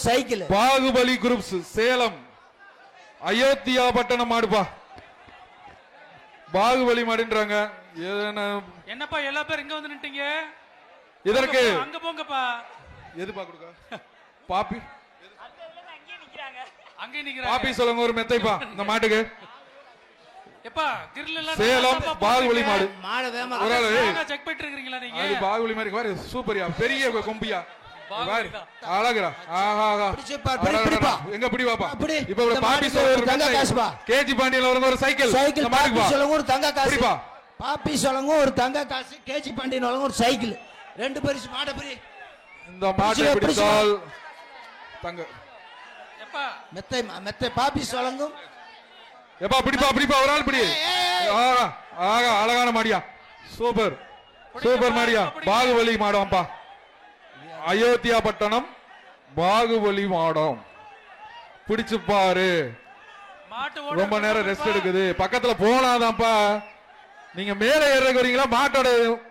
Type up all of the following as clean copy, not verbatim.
Cycle. Baahubali groups Salem Ayothiya Pattanam மாடுப்பா. பாகுபலி மாடுன்றாங்க. என்னப்பா எல்லா பேரும் இங்க வந்து நின்னுட்டீங்க? இதற்கு அங்க போங்கப்பா. எதுப்பா கொடுக்க? பாப்பி அங்கே நிக்கிறாங்க. பாப்பி சொல்லுங்க ஒரு மெத்தைப்பா இந்த மாட்டுக்கு. எப்பா கிரில் எல்லாம் சேலம் பாகுபலி மாடு. மாடு வேமா ஒரு ஆளு செக் பண்ணிட்டு இருக்கீங்களா நீங்க? அது பாகுபலி மாதிரி பாரு, சூப்பர்யா, பெரிய கொம்பியா பாரு, தான். அழகுடா. ஆஹா ஆஹா, பிடிப்பா. எங்க பிடி வாப்பா. அப்படி. இப்ப ஒரு இந்த பாப்பி மாட்டுக்கு சொல்ல ஒரு ஒரு தங்க காசுப்பா. கேஜி பாண்டியன்ல வரங்க ஒரு சைக்கிள். சைக்கிள். இந்த மாட்டுக்கு பாப்பி வா. சொல்லுங்க ஒரு தங்க காசு. பிடிப்பா. பாப்பி சொல்லுங்க ஒரு தங்க காசு. கேஜி பாண்டியன் வழங்க ஒரு சைக்கிள். ரெண்டு பரிசு மாட பிரி. இந்த மாட்டை பிடித்தால் தங்க. எப்பா மெத்தை மெத்தை பாப்பி சொல்லுங்க. எப்பா பிடிப்பா பிடிப்பா, ஒரு ஆள் பிடி. ஆஹா ஆஹா, அழகான மாடியா, சூப்பர் சூப்பர் மாடியா. பாகுபலி மாடம்ப்பா, அயோத்தியா பட்டணம் பாகுபலி மாடம். பிடிச்சு பாரு. மாட்டு ரொம்ப நேரம் ரெஸ்ட் எடுக்குது. பக்கத்துல போனாதான்ப்பா. நீங்க மேல ஏறக்கு வரீங்களா? மாட்டோட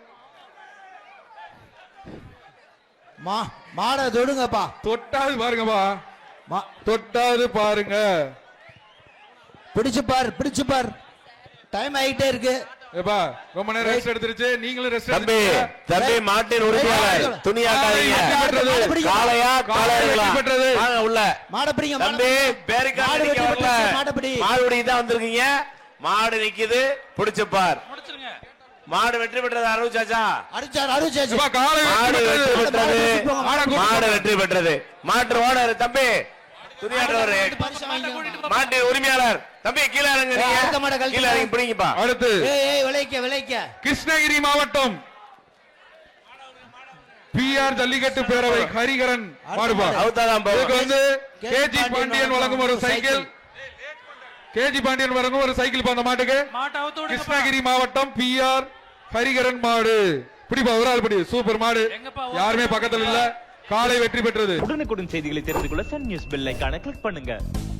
மாட தொடுங்கப்பா. தொட்டாது பாருங்கப்பா, தொட்டாது பாருங்க. பிடிச்சு பாரு பிடிச்சு பாரு. டைம் ஆயிட்டே இருக்கு. ஏப்பா ரொம்ப நேரம் ரெஸ்ட் எடுத்துருச்சு. நீங்களும் ரெஸ்ட் தம்பி எடுத்துங்க. தம்பி மாட்டின் உரிமையாளர் துணியாட்டாதீங்க. காளையா காளையா பெற்றது வாங்க உள்ள. மாட பிடிங்க தம்பி பேருக்காக நிக்க வரல, மாட பிடி. மாடுபிடி தான் வந்திருக்கீங்க. மாடு நிக்குது, பிடிச்சு பார். முடிச்சிருங்க. மாடு வெற்றி பெற்றது அருச்சாச்சா. அருச்சாச்சு. ஏப்பா காலை மாடு வெற்றி பெற்றது. மாடு மாடு வெற்றி பெற்றது. மாட்டு ஓனர் தம்பி துணியாட்டவர் மாட்டு உரிமையாளர் தம்பி கீழே இறங்க. கீழே இறங்கி பிடிங்கப்பா. அடுத்து விளைக்க கிருஷ்ணகிரி மாவட்டம் பிஆர் ஜல்லிக்கட்டு பேரவை ஹரிகரன் மாடுபா. இதுக்கு வந்து கேஜி பாண்டியன் வழங்கும் ஒரு சைக்கிள். கேஜி பாண்டியன் வழங்கும் ஒரு சைக்கிள் அந்த மாட்டுக்கு. கிருஷ்ணகிரி மாவட்டம் பிஆர் ஹரிகரன் மாடு. பிடிப்பா, ஒரு ஆள் பிடி. சூப்பர் மாடு, யாருமே பக்கத்துல இல்ல. காலை வெற்றி பெற்றது. உடனுக்குடன் செய்திகளை தெரிந்து கொள்ள சன் நியூஸ் பெல் ஐகானை கிளிக் பண்ணுங்க.